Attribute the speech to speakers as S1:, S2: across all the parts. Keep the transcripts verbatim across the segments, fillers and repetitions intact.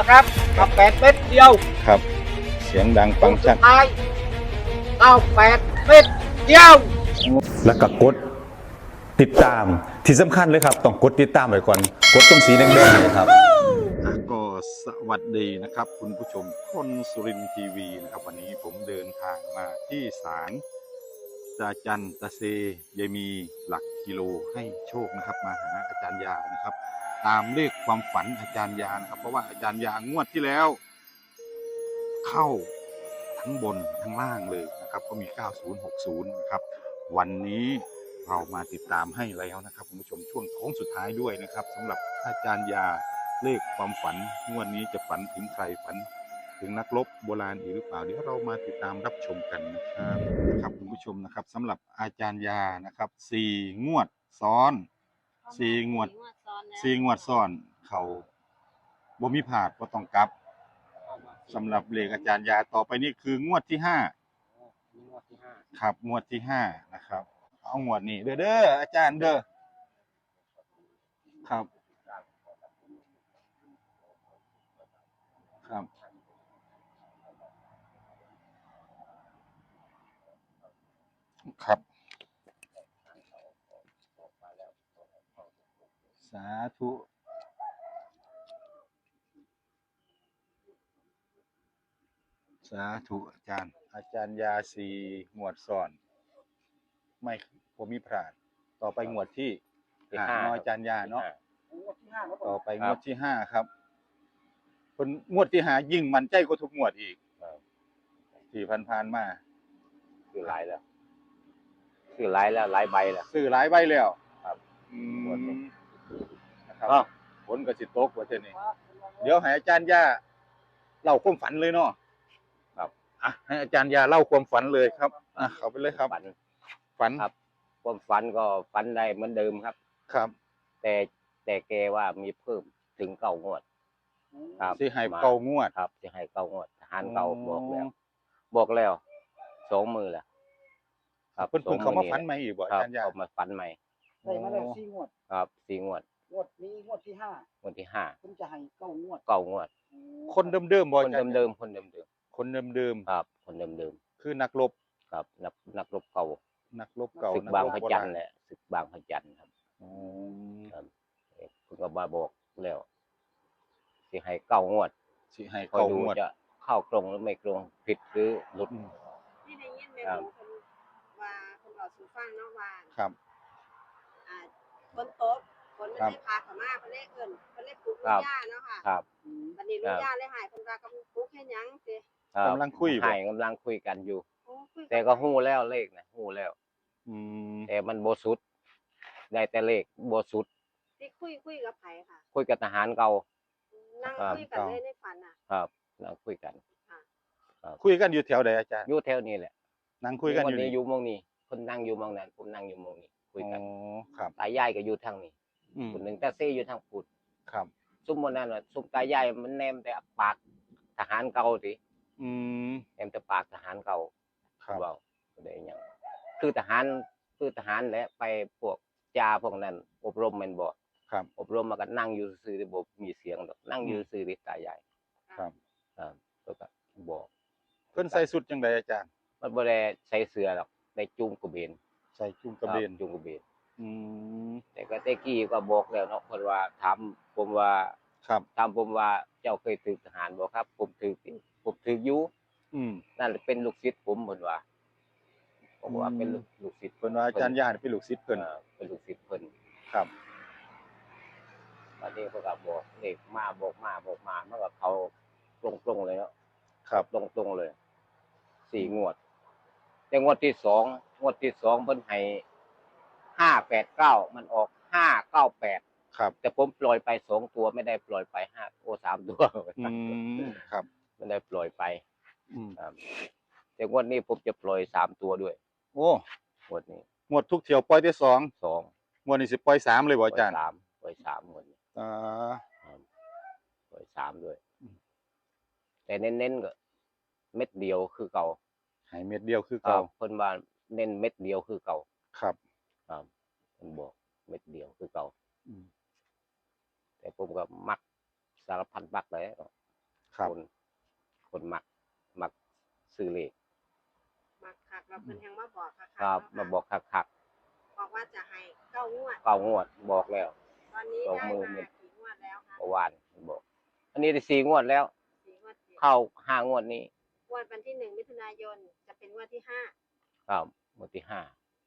S1: นะครับกับแปดเม็ดเดียว
S2: ครับเสียงดังฟังชัด
S1: ท้ายเก้าแปดเม็ดเดียว
S3: แล้วก็กดติดตามที่สำคัญเลยครับต้องกดติดตามไว้ก่อนกดตรงสีแดงๆเลยครับ
S2: ก็สวัสดีนะครับคุณผู้ชมคนสุรินทร์ทีวีนะครับวันนี้ผมเดินทางมาที่ศาลตาจันตาเซยายมีหลักกิโลให้โชคนะครับมาหาอาจารย์ยานะครับตามเลขความฝันอาจารย์ยานะครับเพราะว่าอาจารย์ยางวดที่แล้วเข้าทั้งบนทั้งล่างเลยนะครับก็มีเก้าศูนย์ หกศูนย์นะครับวันนี้เรามาติดตามให้แล้วนะครับคุณผู้ชมช่วงโค้งสุดท้ายด้วยนะครับสำหรับอาจารย์ยาเลขความฝันงวดนี้จะฝันถึงใครฝันถึงนักรบโบราณอีกหรือเปล่าเดี๋ยวเรามาติดตามรับชมกันนะครับนะครับคุณผู้ชมนะครับสำหรับอาจารย์ยานะครับสี่งวดซ้อนสี่งวดสี่งวดซ้อนเขาบ่มีผาดบ่ต้องกลับสำหรับเลขอาจารย์ยาต่อไปนี่คืองวดที่ห้าครับงวดที่ห้านะครับเอางวดนี้เด้อเด้ออาจารย์เด้อครับครับครับสาธุสาธุอาจารย์อาจารย์ยาสีงวดซ้อนไม่ผมมีพลาดต่อไปงวดที่ห้าน้อยอาจารย์ยาเนาะต่อไปงวดที่ห้าครับคนงวดที่ห้ายิ่งมันใจกว่าทุกงวดอีกที่ผ่านๆมา
S4: ซื้อหลายแล้วซื้อหลายแล้วหลายใบแล้ว
S2: ซื้อหลายใบแล้ว
S4: ครับ
S2: อืมนะครับฝนก็สิตกว่าเท่านี้เดี๋ยวให้อาจารย์ยาเล่าความฝันเลยเนาะ
S4: ครับ
S2: อ่ะให้อาจารย์ยาเล่าความฝันเลยครับอ่ะเข้าไปเลยครับ
S4: ฝัน
S2: ฝัน
S4: ครับความฝันก็ฝันได้เหมือนเดิมครับ
S2: ครับ
S4: แต่แต่แกว่ามีเพิ่มถึงเก้างวด
S2: ครับสิให้เก้างวด
S4: ครับสิให้เก้างวดทหารเก่าบอกแล้วบอกแล้วสองมือแล้ว
S2: ครับเพิ่นเพิ่งเขามาฝันใหม่อีกบ่อาจารย์ยา
S4: เขามาฝันใหม่
S1: ได้มาแล้วสี่งวด
S4: ครับสี่งวด
S1: งวดนี้งวดที่ห้าง
S4: วดที่ห้า
S1: เพิ่นจะให้เก้างวด
S4: เก้างวด
S2: คนเดิมๆบ่
S4: คนเดิมๆคนเดิม
S2: ๆคนเดิม
S4: ๆครับคนเดิม
S2: ๆคือนักรบ
S4: ครับนักนักรบเก่า
S2: นักรบเก่า
S4: ศึกบางพระจันทร์แหละศึกบางพระจันทร์ครับ
S2: อ๋อ
S4: ครับเพิ่นก็มาบอกแล้วสิให้เก้างวด
S2: สิให้เก้างวด
S4: จะเข้าตรงหรือไม่ตรงผิดหรือหลุด
S5: ที่ได้ยินแม่หมูคนว่าคนบอกสู่ฟังเนาะว่า
S2: ครับ
S5: อ่าคนโต๊ะคนไม่ได้พาเขามาเพิ่นได้เอิ้นเพิ่นได้ปลูกลูกหญ้าเนาะค่ะ
S4: ครับ
S5: บัดนี้ลูกหญ้าเลยหายเพิ่นว่ากำลังปลูกเฮ็ดหยังสิ
S2: กำลังคุย
S4: ให้กำลังคุยกันอยู่แต่ก็ฮู้แล้วเลขนะฮู้แล้ว
S2: อืม
S4: แต่มันบ่สุดได้แต่เลขบ่สุด
S5: ที่คุยคุยกับไผค่ะ
S4: คุยกับทหารเก่า
S5: นั่งคุยกันเลยในฝันน่ะ
S4: ครับนั่งคุยกัน
S2: คุยกันอยู่แถวใดอาจารย์
S4: อยู่แถวนี้แหละ
S2: นั่งคุยกันอยู่
S4: นี่อยู่มองนี้คนนั่งอยู่มองนั้นผมนั่งอยู่มองนี้คุยกัน
S2: อ๋อครับ
S4: ตายายก็อยู่ทางนี้คนนึงแต่เซอยู่ทางพุทธ
S2: ครับ
S4: ซุ่มมื้อนั้นน่ะซุ่มตายายมันแนมแต่ปากทหารเก่าติ
S2: อืม
S4: แนมแต่ปากทหารเก่า
S2: ครับ
S4: เว้าได้หยังคือทหารคือทหารแหละไปพวกจ่าพวกนั้นอบรมแม่นบ่
S2: ครับ
S4: อบรมมาก็นั่งอยู่ซื่อๆบ่มีเสียงดอกนั่งอยู่ซื่อๆตายาย
S2: ครับ
S4: ครับแล้วก็บอก
S2: เพิ่นใส่สุดจังไดอาจารย์
S4: มันบ่ได้ใส่เสื้อหรอกได้จุงกระเบน
S2: ใส่จุงกระเบน
S4: จุงกระเบน
S2: อืม
S4: แต่ก็แต่กี้ก็บอกแล้วเนาะเพิ่นว่าถามผมว่า
S2: ครับ
S4: ถามผมว่าเจ้าเคยถูกทหารบ่ครับผมถูกผมถูกอยู่
S2: อืม
S4: นั่นเป็นลูกศิษย์ผมเพิ่นว่าผมว่าเป็นลูกศิษย์
S2: เพิ่นว่าอาจารย์ยาเป็นลูกศิษย์เพิ่น
S4: เป็นลูกศิษย์เพิ่น
S2: ครับ
S4: บัดนี้เพิ่นก็บอกเลขมาบอกมาบอกมามันก็เข้าตรงๆเลยเนาะ
S2: ครับ
S4: ตรงๆเลยสี่งวดแต่งวดที่สองงวดที่สองเพิ่นให้ห้าแปดเก้ามันออกห้าเก้าแปด
S2: ครับ
S4: แต่ผมปล่อยไปสองตัวไม่ได้ปล่อยไปห้าโอ้สามตัว
S2: อืมครับ
S4: ไม่ได้ปล่อยไป
S2: อืม
S4: ครับแต่งวดนี้ผมจะปล่อยสามตัวด้วย
S2: โอ้
S4: งวดนี้
S2: งวดทุกเที่ยวปล่อยได้สอง
S4: สอง
S2: งวดนี้สิปล่อยสามเลยบ่อาจารย์
S4: สามปล่อยสามงวดนี้
S2: อ่า
S4: ปล่อยสามด้วยแต่เน้นๆก็เม็ดเดียวคือเก่า
S2: ให้เม็ดเดียวคือเก่า
S4: เพิ่นว่าเน้นเม็ดเดียวคือเก่า
S2: ครับ
S4: ครับเพิ่นบอกเม็ดเดียวคือเก่า
S2: อืม
S4: แต่ผมก็มักสารพัดมักเลย
S3: ครับ
S4: คนคนมักมักซื้อเลข
S5: มาคักเราเพิ่นยังมาบอกคักๆ
S4: ครับ
S5: เนะ
S4: มาบอกคัก
S5: บอกว่าจะให้เก้างวด
S4: ๆเก้างวดบอกแล้ว
S5: ตอนนี้
S4: สอง
S5: ได้
S4: หมื่น
S5: มากี่งวดแล้วคะ
S4: เมื่อวานบอก อันนี้ได้สี่งวดแล้ว
S5: สี่งวดติด
S4: เข้าห้างวดนี้
S5: งวดวันที่หนึ่งมิถุนายนจะเป็นงวดที่ห้า
S4: ครับงวดที่ห้า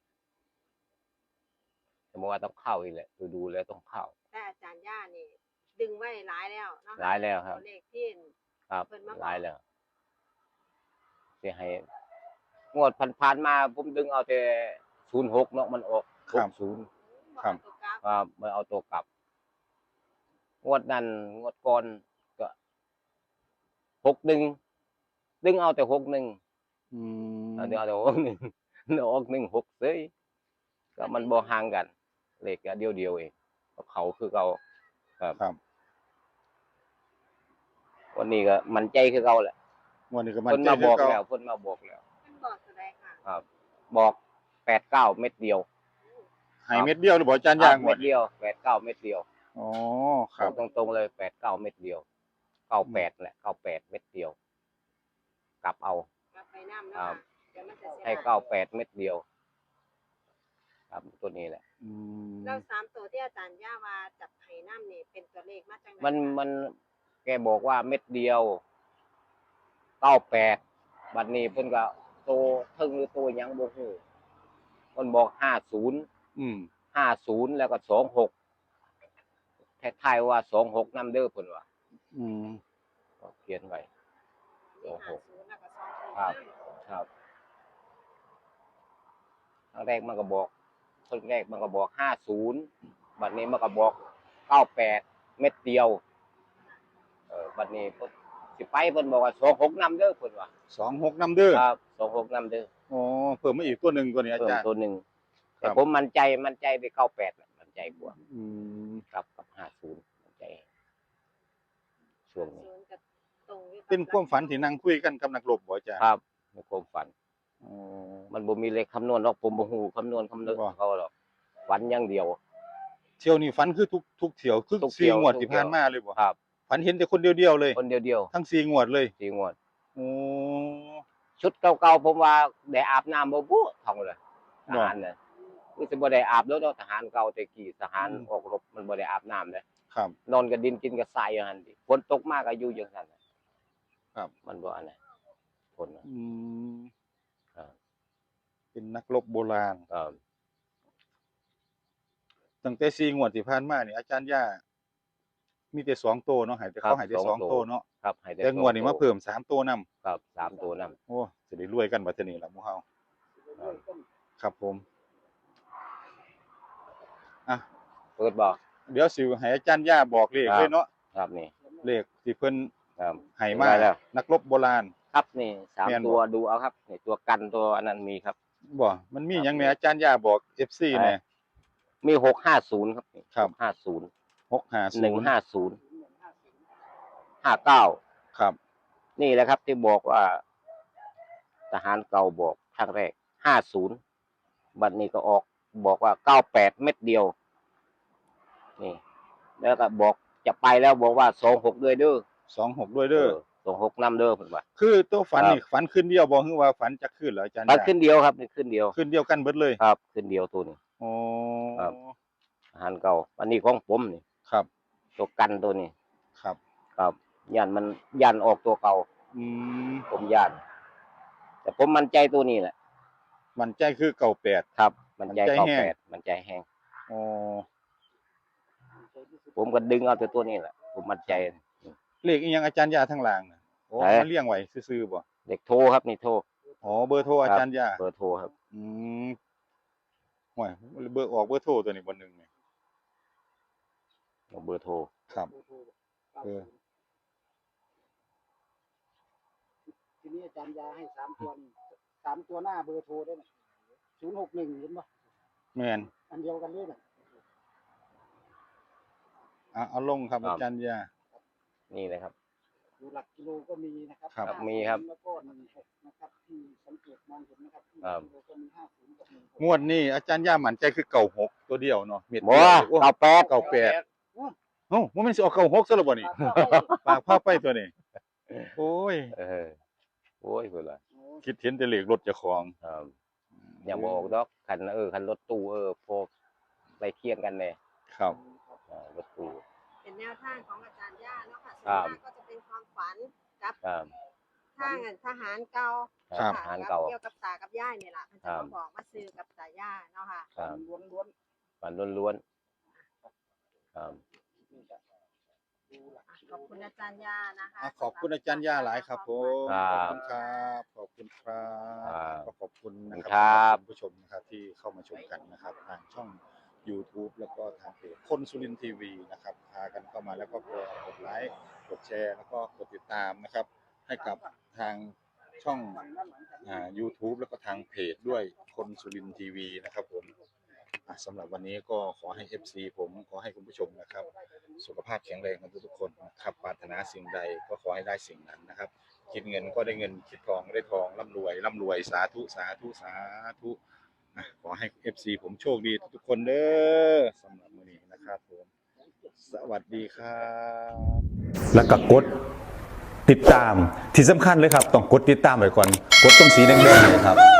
S4: แต่เมื่อวานต้องเข้าอีกแหละดูดูแล้วต้องเข้า
S5: แต่อาจารย์ย่านี่ ดึงไว้หลายแล้วเนาะ
S4: หลายแล้วครับ
S5: ตัวเลขที่
S4: ครับ
S5: เพิ่นมาบอก
S4: หลายแล้วเสียให้งวดผ่านๆมาผมดึงเอาแต่ศูนย์หกเนาะมันออก
S3: ครั
S4: ห
S3: บ
S4: กศูนย์
S3: ครับ
S5: ตัวกราฟ
S4: ครับไม่เอาตัวกลับ งวดนั้นงวดก่อนก็หกหนึ่งดึงเอาแต่หกหนึ่ง
S3: อืม
S4: ดึงเอาแต่หกหนึ่งออกหนึ่งหกเซ้ยก็มันบ่ห่างกันเลขก็เดียวเดียวๆเองเขาคือเขาครับ
S3: ครับ
S4: วันนี้ก็มันใจคือเขาแหละ
S3: วันนี้ก็มัน
S4: เพิ่น
S3: ใจ
S4: มาบอก
S3: คื
S4: แล้ว
S3: เก่า
S4: เพิ่นมาบอกแล้ว
S5: เพิ่นบอกตัวใดค่ะ
S4: ครับ บอกแปดเก้าเม็ดเดียว
S3: ให้เม็ดเดียวหรือบ่อาจารย์
S4: ครั
S3: ย่า
S4: บ
S3: งหม
S4: เม็
S3: ด
S4: ดเดียวแปดเก้าเม็ดเดียว
S3: อ๋อครับ
S4: ตรงตรงๆเลยแปดเก้าเม็ดเดียวเก้าแปดแหละเก้าแปดเม็ดเดียว กลับเอา
S5: กลับไปน้ำ
S4: ครั
S5: เนาะ
S4: บ
S5: เดี๋ยวมันจะเสีย
S4: ให้เก้าแปดเม็ดเดียว ครับตัวนี้แหละ
S3: อืม
S5: แล้วสามตัวที่อาจารย์ย่าว่าจับไห้น้ำนี่เป็นตัวเลขมาจากไหน
S4: มัน
S5: คะ
S4: มันแกบอกว่าเม็ดเดียวเก้าแปดบัดนี้เพิ่นก็โตทึ่งหรือโตหยังบ่ฮู้มันบอกห้าศูนย์
S3: อืม
S4: ห้าศูนย์แล้วก็สองหกแท้ๆว่าสองหกนำเด้อเพิ่นว่า
S3: อืม
S4: ก็เขียนไว้
S5: มี
S4: โอ้โห
S5: ห้าศูนย์แล้วก็สองศูนย์
S4: ครับ ครับครั้งแรกมันก็บอกครั้งแรกมันก็บอกห้าศูนย์บัดนี้มันก็บอกเก้าแปดเม็ดเดียว เออบัดนี้เพิ่นสิไปเพิ่นบอกว่าสองหกนำเด้อเพิ่นว่า
S3: สองหกนำเด้อ
S4: ครับสองหกนำเด้อ
S3: อ๋อเพิ่มมาอีกตัวหนึ่งตัวนี้อา
S4: เพิ่ม
S3: จารย์
S4: ตัวหนึ่ง
S3: ครั
S4: แต่
S3: บ
S4: ผมมั่นใจมั่นใจไปเก้าแปดมั่นใจกว่า
S3: อืม
S4: ครับกับห้าศูนย์มั่นใจ ช่วงนี้
S5: ศูนย์กับตรงอยู่กับ
S3: เป็นความฝันที่นั่งคุยกันกับนักรบบ่อาจารย์
S4: ครับในความฝัน
S3: อ๋อ
S4: มันบ่มีเลขคำนวณหรอกผมบ่ฮู้คำนวณคำนวณ
S3: บ่
S4: ของเขาหรอกฝันอย่างเดียว
S3: เที่ยวนี้ฝันคือทุกทุกเที่ยวคือ
S4: ทุกเที่
S3: สี่
S4: ยว
S3: งวด
S4: ทุก
S3: ที่
S4: เที่ยว
S3: ผ่านมาเลยบ่
S4: ครับ
S3: ฝันเห็นแต่คนเดียวๆเลย
S4: คนเดียว
S3: ทั้งสี่งวดเลย
S4: ๆสี่งวด
S3: โอ้
S4: ชุดเก่าๆผมว่าได้อาบน้ำบ่บุท่องเลยท
S3: บ่
S4: หารน่ะคือสิบ่ได้อาบแล้วเนาะทหารเก่าแต่กี้ทหาร
S3: อืม
S4: ออกรบมันบ่ได้อาบน้ำเลย
S3: ครับ
S4: นอนกับดินกินกับทรายอยู่หั่นดิฝนตกมากก็อยู่จังซั่นน่ะ
S3: ครับ
S4: มันบ่อันนั้นฝนน่ะ
S3: อืม
S4: ครับ
S3: เป็นนักรบโบราณ
S4: ครับ
S3: ตั้งแต่สี่งวดที่ผ่านมานี่อาจารย์ย่ามีแต่สองโตวเนาะให้แต่เขาให้แต่สองโตวเนาะ
S4: ครับให้ได้
S3: แต่งวดนี้
S4: สอ
S3: มา
S4: ตั
S3: เพิ่มสามโตวนำ
S4: ครับสามตัวนำ
S3: โอ้สิได้รวยกันบัดทีนี้ล่ะหมู่เฮาครับผมอ่ะ
S4: เปิดบ่
S3: เดี๋ยวสิให้อาจารย์ย่าบอกเลข
S4: ครับ
S3: เลยเนาะ
S4: ครับนี่
S3: เลขที่เพิ่น
S4: ครับ
S3: ให้มา
S4: ได้แล้ว
S3: นักรบโบราณ
S4: ครับนี่สาม
S3: แม่นบ่
S4: ตัวดูเอาครับนี่ตัวกันตัวอันนั้นมีครับ
S3: บ่มันมี
S4: ครับ
S3: หยังแหน่อาจารย์ย่าบอก เอฟ ซี
S4: ครับ
S3: แหน่
S4: มีหกห้าศูนย์ครับ
S3: ครับ
S4: ห้าศูนย์
S3: หกห้าศูนย์
S4: หนึ่งห้าศูนย์ห้าเก้า
S3: ครับ
S4: นี่แหละครับที่บอกว่า ทหารเก่าบอกครั้งแรกห้าศูนย์บัดนี้ก็ออกบอกว่าเก้าแปดเม็ดเดียว นี่ แล้วก็บอกจะไปแล้วบอกว่าสองหกด้วยเด้อ
S3: สองหกด้วยเด้อ
S4: สองหกนำเด้อเพิ่นว่า
S3: คือตัวฝัน
S4: ครับ
S3: นี่ฝันขึ้นเดียวบ่คือว่าฝันจักขึ้นเหรออาจารย์
S4: มัน
S3: ย่า
S4: ขึ้นเดียวครับนี่ขึ้นเดียว
S3: ขึ้นเดียวกันเบิดเลย
S4: ครับ ขึ้นเดียวตัวนี้
S3: อ๋อ
S4: ครับ ทหารเก่าอันนี้ของผมนี่
S3: ครับ
S4: ตัวกันตัวนี้
S3: ครับ
S4: ครับยันมันยันออกตัวเก่า
S3: อืม
S4: ผมยันแต่ผมมั่นใจตัวนี้แหละ
S3: มันใจคือเก่าแปด
S4: ครับ มันใจ
S3: มั่นใจ
S4: เก้า
S3: แห้ง
S4: แปดมันใจแห้ง
S3: อ๋อ
S4: ผมก็ดึงเอาแต่ตัวนี้แหละผมมั่นใจ
S3: เลขอีหยังอาจารย์ย่าทั้งหล่างน่ะโอ้
S4: ไหน
S3: มาเลี้ยงไว้ซื่อๆบ่
S4: เด็กโทรครับนี่โทร
S3: อ๋อเบอร์โทรอาจารย์ย่า
S4: เบอร์โทรครับ
S3: อืมห่วยเบอร์ออกเบอร์โทรตัวนี้บ่หนึงนี่
S4: เบอร์โทร
S3: ครับเออ
S1: ทีนี้อาจารย์ยาให้สามตัวนี่สามตัวหน้าเบอร์โทรได้ไหมศูนย์หกหนึ่งเห็นปะ
S3: แม่น
S1: อันเดียวกันเลยน่ะ
S3: อ่ะเอาลงครับอาจารย์ย่า
S4: นี่เลยครับ
S1: ดูหลักกิโลก็มีนะครับ
S3: ครับ
S4: ครับมีครับ
S1: แล้วก็หนึ่งหกนะครับที่สังเกตมองเห็นนะครับที่
S4: ครับ
S1: กิโลก็มีห้าศูนย์กับหนึ่งหก
S3: งวดนี้อาจารย์ย่ามั่นใจคือเก่าหกตัวเดียวเนาะเม็ด
S4: บ่
S3: เดียวโอ้
S4: เก้าแปด
S3: เก้าแปด โอ้บ่แม่นสิออกเก่าหกซะแล้วบ่นี่ ปากพาไปตัวนี้
S2: โอ้ย
S4: เออโอ้ยเพิ่นว่า
S2: คิดเห็นแต่เลขรถเจ้าของ
S4: ครับอย่าบอกดอกคันเออคันรถตู้เออพอไปเคียงกันแน่
S2: ครับ
S4: อ่ารถตู้
S5: เป็นแนวทางของอาจารย์ย่าเนาะค่ะ
S4: ครั
S5: ส่วน
S4: บ
S5: มากก็จะเป็นความฝันกับ
S4: ครับ
S5: ทางทหารเก่า
S2: ครับ
S5: ค่ะ
S4: ทหารเก่า
S5: เกี่ยวกับตากับย่ายนี่แหละมันจะ
S4: ครับ
S5: มาบอกมาซื้อกับตาย่าเนาะค่ะ
S4: ครับ
S1: ล้วนล้วน
S4: ฝันล้วนๆครับ
S5: ขอบคุณอาจารย์ย่านะคะ
S2: อ่ะขอบคุณอาจารย์ย่าหลายครับผม
S4: ครั
S2: ขอบบ คุณครับขอบคุณครับ
S4: ครับ
S2: ก็ขอบคุณนะค
S4: ครั
S2: รับ คุณผู้ชมนะครับที่เข้ามาชมกันนะครับทางช่อง YouTube แล้วก็ทางเพจคนสุรินทร์ทีวีนะครับพากันเข้ามาแล้วก็กดไลค์กดแชร์แล้วก็กดติดตามนะครับ ให้กับทางช่องอ่า YouTube แล้วก็ทางเพจด้วยคนสุรินทร์ทีวีนะครับผมอ่ะสำหรับวันนี้ก็ขอให้ เอฟ ซี ผมขอให้คุณผู้ชมนะครับ สุขภาพแข็งแรงกันทุกๆคนนะครับปรารถนาสิ่งใดก็ขอให้ได้สิ่งนั้นนะครับ คิดเงินก็ได้เงินคิดทองได้ทองร่ำรวยร่ำรวยสาธุสาธุสาธุอ่ะขอให้ เอฟ ซี ผมโชคดีทุกๆคนเด้อสำหรับมื้อนี้นะครับผมสวัสดีครับ
S3: แล้วก็กดติดตามที่สำคัญเลยครับต้องกดติดตามไว้ก่อนกดตรงสีแดงๆเนยครับ